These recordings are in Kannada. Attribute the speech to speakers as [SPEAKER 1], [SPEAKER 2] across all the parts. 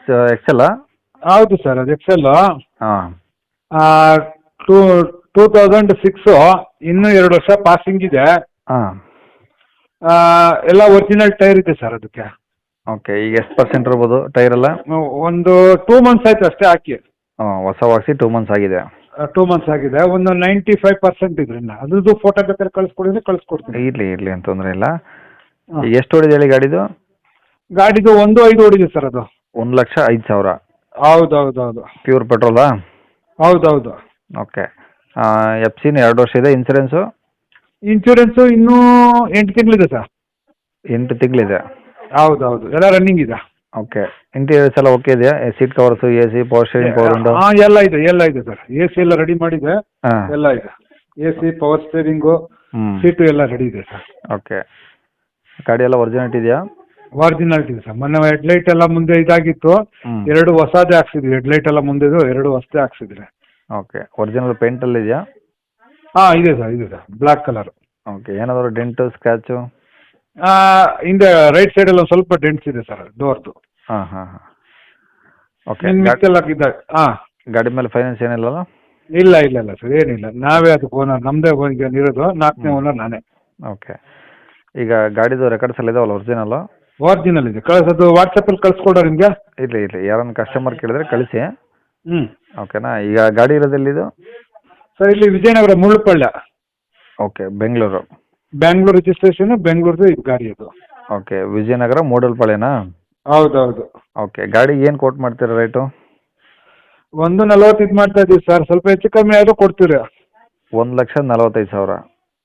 [SPEAKER 1] ಎಕ್ಸೆಲ್ಲಾ?
[SPEAKER 2] ಹೌದು ಸರ್, ಅದು ಎಕ್ಸೆಲ್.
[SPEAKER 1] ಹಾಂ.
[SPEAKER 2] ಟೂ 2006, ಇನ್ನೂ 2 ವರ್ಷ ಪಾಸಿಂಗ್ ಇದೆ.
[SPEAKER 1] ಹಾಂ.
[SPEAKER 2] ಎಲ್ಲ ಒರಿಜಿನಲ್ ಟೈರ್ ಇದೆ ಸರ್ ಅದಕ್ಕೆ.
[SPEAKER 1] ಓಕೆ. ಈಗ ಎಷ್ಟು ಪರ್ಸೆಂಟ್ ಇರ್ಬೋದು ಟೈರೆಲ್ಲ?
[SPEAKER 2] ಒಂದು 2 ಮಂತ್ಸ್ ಆಯ್ತು ಅಷ್ಟೇ ಹಾಕಿ.
[SPEAKER 1] ಹಾಂ, ಹೊಸವಾಗಿಸಿ 2 ಮಂತ್ಸ್ ಆಗಿದೆ.
[SPEAKER 2] 2 ಮಂತ್ಸ್ ಆಗಿದೆ. ಒಂದು 95% ಇದೆ ಇನ್ನು. ಅದ್ರದ್ದು ಫೋಟೋ ಬೇಕಾದ್ರೆ ಕಳಿಸ್ಕೊಡಿದ್ರೆ ಕಳಿಸ್ಕೊಡ್ತೀನಿ.
[SPEAKER 1] ಇರಲಿ ಅಂತ ತೊಂದರೆ ಇಲ್ಲ.
[SPEAKER 2] ಹಾಂ.
[SPEAKER 1] ಈಗ ಎಷ್ಟು ಹೊಡಿದೆ ಹೇಳಿ ಗಾಡಿದು?
[SPEAKER 2] ಗಾಡಿದು 1.5 ಓಡಿದೆ ಸರ್ ಅದು.
[SPEAKER 1] 1,05,000.
[SPEAKER 2] ಹೌದು.
[SPEAKER 1] ಪ್ಯೂರ್ ಪೆಟ್ರೋಲಾ?
[SPEAKER 2] ಹೌದು.
[SPEAKER 1] ಓಕೆ. ಎಫ್ ಸಿನ 2 ವರ್ಷ ಇದೆ. ಇನ್ಸೂರೆನ್ಸು?
[SPEAKER 2] ಇನ್ಶೂರೆನ್ಸು ಇನ್ನೂ 8 ತಿಂಗಳಿದೆ ಸರ್.
[SPEAKER 1] 8 ತಿಂಗಳಿದೆ.
[SPEAKER 2] ಹೌದು, ಎಲ್ಲ ರನ್ನಿಂಗ್ ಇದೆ.
[SPEAKER 1] ಓಕೆ. ಇಂಟೀರಿಯರ್ಸ್ ಎಲ್ಲ ಓಕೆ ಇದೆಯಾ? Seat covers, A C, power steering, power window?
[SPEAKER 2] ಹಾಂ, ಎಲ್ಲ ಇದೆ ಸರ್. ಎ ಸಿ ಎಲ್ಲ ರೆಡಿ ಮಾಡಿದೆ.
[SPEAKER 1] ಹಾಂ.
[SPEAKER 2] ಎಲ್ಲ ಇದೆ. A C, power steering, seat ಎಲ್ಲ ರೆಡಿ ಇದೆ ಸರ್.
[SPEAKER 1] ಓಕೆ. ಗಾಡಿ ಎಲ್ಲ ಒರಿಜಿನಾಲಿಟಿ ಇದೆಯಾ?
[SPEAKER 2] ಒರಿಜಿನಾಲಿಟಿ ಇದೆ ಸರ್. ಮೊನ್ನೆ ಹೆಡ್ಲೈಟ್ ಎಲ್ಲ ಮುಂದೆ ಇದಾಗಿತ್ತು, 2 ಹೊಸದೇ ಹಾಕ್ಸಿದ್ವಿ. ಹೆಡ್ಲೈಟ್ ಎಲ್ಲ ಮುಂದೆದು 2 ಹೊಸದೇ ಹಾಕ್ಸಿದ್ರೆ.
[SPEAKER 1] ಓಕೆ. ಒರಿಜಿನಲ್ ಪೇಂಟಲ್ಲಿ ಇದೆಯಾ?
[SPEAKER 2] ಹಾಂ, ಇದೆ ಸರ್, ಬ್ಲ್ಯಾಕ್ ಕಲರ್.
[SPEAKER 1] ಓಕೆ. ಏನಾದರೂ ಡೆಂಟು, ಸ್ಕ್ರ್ಯಾಚು?
[SPEAKER 2] ಹಿಂದೆ ರೈಟ್ ಸೈಡಲ್ಲಿ ಒಂದು ಸ್ವಲ್ಪ ಡೆಂಟ್ಸ್ ಇದೆ ಸರ್ ಡೋರ್ದು.
[SPEAKER 1] ಹಾಂ. ಓಕೆ.
[SPEAKER 2] ಮಿಕ್ಕೆಲ್ಲ ಇದೆ. ಹಾಂ.
[SPEAKER 1] ಗಾಡಿ ಮೇಲೆ ಫೈನಾನ್ಸ್ ಏನಿಲ್ಲಲ್ಲ?
[SPEAKER 2] ಇಲ್ಲ ಸರ್, ಏನಿಲ್ಲ. ನಾವೇ ಅದಕ್ಕೆ ಓನರ್, ನಮ್ಮದೇ ಇರೋದು. 4ನೇ ಓನರ್ ನಾನೇ.
[SPEAKER 1] ಓಕೆ. ಈಗ ಗಾಡಿದು ರೆಕಾರ್ಡ್ಸ್ ಎಲ್ಲ ಇದಾವಲ್ಲ ಒರಿಜಿನಲ್ಲು?
[SPEAKER 2] ಒರಿಜಿನಲ್ ಇದೆ. ಅದು ವಾಟ್ಸಪ್ಪಲ್ಲಿ ಕಳಿಸ್ಕೊಡೋ ನಿಮಗೆ?
[SPEAKER 1] ಇರಲಿ ಯಾರನ್ನ ಕಸ್ಟಮರ್ ಕೇಳಿದ್ರೆ ಕಳಿಸಿ.
[SPEAKER 2] ಹ್ಞೂ.
[SPEAKER 1] ಓಕೆನಾ? ಈಗ ಗಾಡಿ ಇರೋದೆಲ್ಲಿದು?
[SPEAKER 2] ಸರ್, ಇಲ್ಲಿ ವಿಜಯನಗರ ಮುಳ್ಳುಪಳ್ಳ.
[SPEAKER 1] ಓಕೆ. ಬೆಂಗಳೂರು
[SPEAKER 2] ರಿಜಿಸ್ಟ್ರೇಷನ್, ಬೆಂಗಳೂರದು ಇದು ಗಾಡಿ ಅದು.
[SPEAKER 1] ಓಕೆ. ವಿಜಯನಗರ ಮೂಡಲ್ಪಾಳ್ಯನಾ?
[SPEAKER 2] ಹೌದು.
[SPEAKER 1] ಓಕೆ. ಗಾಡಿ ಏನು ಕೋಟ್ ಮಾಡ್ತೀರಾ ರೇಟು?
[SPEAKER 2] 1.40 ಇದು ಮಾಡ್ತಾ ಇದೀವಿ ಸರ್. ಸ್ವಲ್ಪ ಹೆಚ್ಚು ಕಮ್ಮಿ ಆದರೂ ಕೊಡ್ತೀರಿ.
[SPEAKER 1] 1,45,000.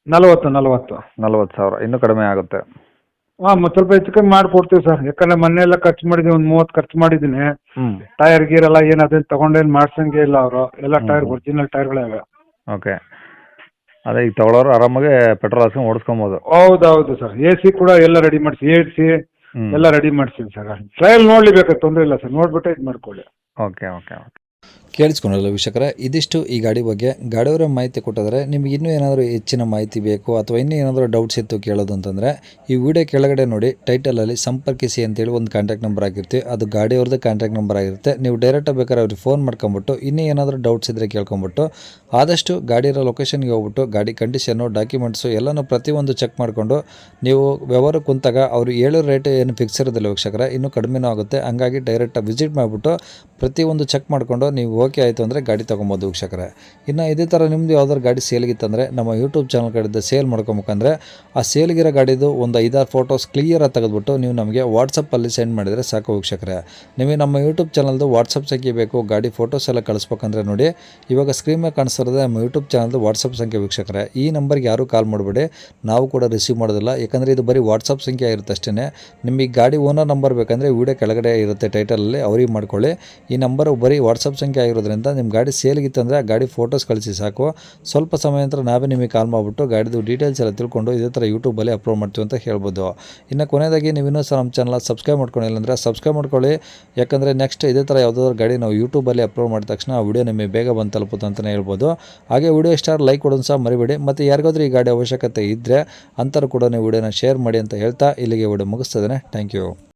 [SPEAKER 2] 40,000
[SPEAKER 1] ಇನ್ನೂ ಕಡಿಮೆ ಆಗುತ್ತೆ.
[SPEAKER 2] ಹಾಂ, ಮತ್ತೆ ಸ್ವಲ್ಪ ಹೆಚ್ಚು ಕಮ್ಮಿ ಮಾಡಿಕೊಡ್ತೀವಿ ಸರ್. ಯಾಕಂದ್ರೆ ಮೊನ್ನೆ ಎಲ್ಲ ಖರ್ಚು ಮಾಡಿದ್ದೀನಿ, ಒಂದು 30 ಖರ್ಚು ಮಾಡಿದ್ದೀನಿ.
[SPEAKER 1] ಹ್ಞೂ.
[SPEAKER 2] ಟೈರ್ ಗೀರೆಲ್ಲ ಏನು ಅದೇನು ತೊಗೊಂಡೇನು ಮಾಡ್ಸಂಗೆ ಇಲ್ಲ ಅವರು. ಎಲ್ಲ ಟೈರ್ ಒರಿಜಿನಲ್ ಟೈರ್ಗಳೇ ಇವೆ.
[SPEAKER 1] ಓಕೆ. ಅದೇ ಈಗ ತಗೊಳ್ಳೋರು ಆರಾಮಾಗಿ ಪೆಟ್ರೋಲ್ ಹಾಕ್ಸ್ಕೊಂಡು ಓಡಿಸ್ಕೊಬೋದು.
[SPEAKER 2] ಹೌದು ಸರ್. ಎ ಸಿ ಕೂಡ ಎಲ್ಲ ರೆಡಿ ಮಾಡಿಸಿ, AC ಎಲ್ಲ ರೆಡಿ ಮಾಡಿಸ್ತೀನಿ ಸರ್. ಟ್ರಯಲ್ ನೋಡ್ಲಿಬೇಕಾದ್ರೆ ತೊಂದರೆ ಇಲ್ಲ ಸರ್, ನೋಡ್ಬಿಟ್ಟು ಇದು ಮಾಡ್ಕೊಳ್ಳಿ.
[SPEAKER 1] ಓಕೆ.
[SPEAKER 3] ಕೇಳಿಸ್ಕೊಂಡಲ್ಲ ವೀಕ್ಷಕರೇ, ಇದಿಷ್ಟು ಈ ಗಾಡಿ ಬಗ್ಗೆ. ಗಾಡಿಯವರ ಮಾಹಿತಿ ಕೊಟ್ಟಿದ್ದಾರೆ. ನಿಮಗೆ ಇನ್ನೂ ಏನಾದರೂ ಹೆಚ್ಚಿನ ಮಾಹಿತಿ ಬೇಕು ಅಥವಾ ಇನ್ನೂ ಏನಾದರೂ ಡೌಟ್ಸ್ ಇತ್ತು ಕೇಳೋದು ಅಂತಂದರೆ ಈ ವಿಡಿಯೋ ಕೆಳಗಡೆ ನೋಡಿ ಟೈಟಲಲ್ಲಿ ಸಂಪರ್ಕಿಸಿ ಅಂತೇಳಿ ಒಂದು ಕಾಂಟ್ಯಾಕ್ಟ್ ನಂಬರ್ ಆಗಿರುತ್ತೆ. ಅದು ಗಾಡಿಯವ್ರದ್ದು ಕಾಂಟ್ಯಾಕ್ಟ್ ನಂಬರ್ ಆಗಿರುತ್ತೆ. ನೀವು ಡೈರೆಕ್ಟಾಗಿ ಬೇಕಾದ್ರೆ ಅವ್ರಿಗೆ ಫೋನ್ ಮಾಡ್ಕೊಂಬಿಟ್ಟು ಇನ್ನೂ ಏನಾದರೂ ಡೌಟ್ಸ್ ಇದ್ದರೆ ಕೇಳ್ಕೊಂಬಿಟ್ಟು ಆದಷ್ಟು ಗಾಡಿ ಇರೋ ಲೊಕೇಶನ್ಗೆ ಹೋಗ್ಬಿಟ್ಟು ಗಾಡಿ ಕಂಡೀಷನ್ನು, ಡಾಕ್ಯುಮೆಂಟ್ಸು ಎಲ್ಲನೂ ಪ್ರತಿಯೊಂದು ಚೆಕ್ ಮಾಡಿಕೊಂಡು ನೀವು ವ್ಯವಹಾರ ಕುಂತಾಗ ಅವರು ಹೇಳೋ ರೇಟ್ ಏನು ಫಿಕ್ಸ್ ಇರೋದಿಲ್ಲ ವೀಕ್ಷಕರೇ, ಇನ್ನೂ ಕಡಿಮೆನೂ ಆಗುತ್ತೆ. ಹಂಗಾಗಿ ಡೈರೆಕ್ಟಾಗಿ ವಿಸಿಟ್ ಮಾಡಿಬಿಟ್ಟು ಪ್ರತಿಯೊಂದು ಚೆಕ್ ಮಾಡಿಕೊಂಡು ನೀವು ಓಕೆ ಆಯಿತು ಅಂದರೆ ಗಾಡಿ ತೊಗೊಬೋದು ವೀಕ್ಷಕರೇ. ಇನ್ನು ಇದೇ ಥರ ನಿಮ್ಮದು ಯಾವ್ದಾದ್ರು ಗಾಡಿ ಸೇಲ್ಗಿತ್ತಂದರೆ ನಮ್ಮ ಯೂಟ್ಯೂಬ್ ಚಾನಲ್ ಕಡೆದು ಸೇಲ್ ಮಾಡ್ಕೊಬೇಕಂದ್ರೆ ಆ ಸೇಲ್ಗಿರೋ ಗಾಡಿದು ಒಂದು 5-6 ಫೋಟೋಸ್ ಕ್ಲಿಯರಾಗಿ ತೆಗೆದುಬಿಟ್ಟು ನೀವು ನಮಗೆ ವಾಟ್ಸಪ್ಪಲ್ಲಿ ಸೆಂಡ್ ಮಾಡಿದರೆ ಸಾಕು ವೀಕ್ಷಕರೇ. ನಿಮಗೆ ನಮ್ಮ ಯೂಟ್ಯೂಬ್ ಚಾನಲ್ದು ವಾಟ್ಸಪ್ ಸಂಖ್ಯೆ ಬೇಕು, ಗಾಡಿ ಫೋಟೋಸ್ ಎಲ್ಲ ಕಳಿಸ್ಬೇಕಂದ್ರೆ ನೋಡಿ ಇವಾಗ ಸ್ಕ್ರೀನ್ ಮೇಲೆ ಕಾಣಿಸ್ತಿರೋದೇ ನಮ್ಮ ಯೂಟ್ಯೂಬ್ ಚಾನಲ್ದು ವಾಟ್ಸಪ್ ಸಂಖ್ಯೆ ವೀಕ್ಷಕರೇ. ಈ ನಂಬರ್ಗೆ ಯಾರೂ ಕಾಲ್ ಮಾಡಬೇಡಿ, ನಾವು ಕೂಡ ರಿಸೀವ್ ಮಾಡೋದಿಲ್ಲ. ಯಾಕಂದರೆ ಇದು ಬರೀ ವಾಟ್ಸಪ್ ಸಂಖ್ಯೆ ಆಗಿರುತ್ತೆ ಅಷ್ಟೇ. ನಿಮಗೆ ಗಾಡಿ ಓನರ್ ನಂಬರ್ ಬೇಕಂದರೆ ವಿಡಿಯೋ ಕೆಳಗಡೆ ಇರುತ್ತೆ ಟೈಟಲಲ್ಲಿ, ಅವ್ರಿಗೆ ಮಾಡ್ಕೊಳ್ಳಿ. ಈ ನಂಬರು ಬರೀ ವಾಟ್ಸಪ್ ಸಂಖ್ಯೆ ಆಗಿರೋದ್ರಿಂದ ನಿಮ್ಮ ಗಾಡಿ ಸೇಲ್ಗಿತ್ತಂದರೆ ಆ ಗಾಡಿ ಫೋಟೋಸ್ ಕಳಿಸಿ ಸಾಕು. ಸ್ವಲ್ಪ ಸಮಯ ನಂತರ ನಾವೇ ನಿಮಗೆ ಕಾಲ್ ಮಾಡಿಬಿಟ್ಟು ಗಾಡಿದು ಡೀಟೇಲ್ಸ್ ಎಲ್ಲ ತಿಳ್ಕೊಂಡು ಇದೇ ಥರ ಯೂಟ್ಯೂಬಲ್ಲಿ ಅಪ್ಲೋಡ್ ಮಾಡ್ತೀವಿ ಅಂತ ಹೇಳ್ಬೋದು. ಇನ್ನು ಕೊನೆಯದಾಗಿ ನೀವು ಇನ್ನೂ ಸಹ ನಮ್ಮ ಚಾನಲ್ ಸಬ್ಸ್ಕ್ರೈಬ್ ಮಾಡ್ಕೊಂಡಿಲ್ಲ ಅಂದರೆ ಸಬ್ಸ್ಕ್ರೈಬ್ ಮಾಡ್ಕೊಳ್ಳಿ. ಯಾಕಂದರೆ ನೆಕ್ಸ್ಟ್ ಇದೇ ಥರ ಯಾವುದಾದ್ರು ಗಾಡಿ ನಾವು ಯೂಟ್ಯೂಬಲ್ಲಿ ಅಪ್ಲೋಡ್ ಮಾಡಿದ ತಕ್ಷಣ ಆ ವಿಡಿಯೋ ನಿಮಗೆ ಬೇಗ ಬಂದು ತಲುಪುತ್ತೆ ಅಂತಲೇ ಹೇಳ್ಬೋದು. ಹಾಗೆ ವಿಡಿಯೋ ಇಷ್ಟ ಲೈಕ್ ಕೊಡೋದು ಸಹ ಮರಿಬೇಡಿ. ಮತ್ತು ಯಾರಿಗಾದ್ರೂ ಈ ಗಾಡಿ ಅವಶ್ಯಕತೆ ಇದ್ದರೆ ಅಂಥವ್ರು ಕೂಡ ನೀವು ವಿಡಿಯೋನ ಶೇರ್ ಮಾಡಿ ಅಂತ ಹೇಳ್ತಾ ಇಲ್ಲಿಗೆ ವಿಡಿಯೋ ಮುಗಿಸ್ತದೆ. Thank you.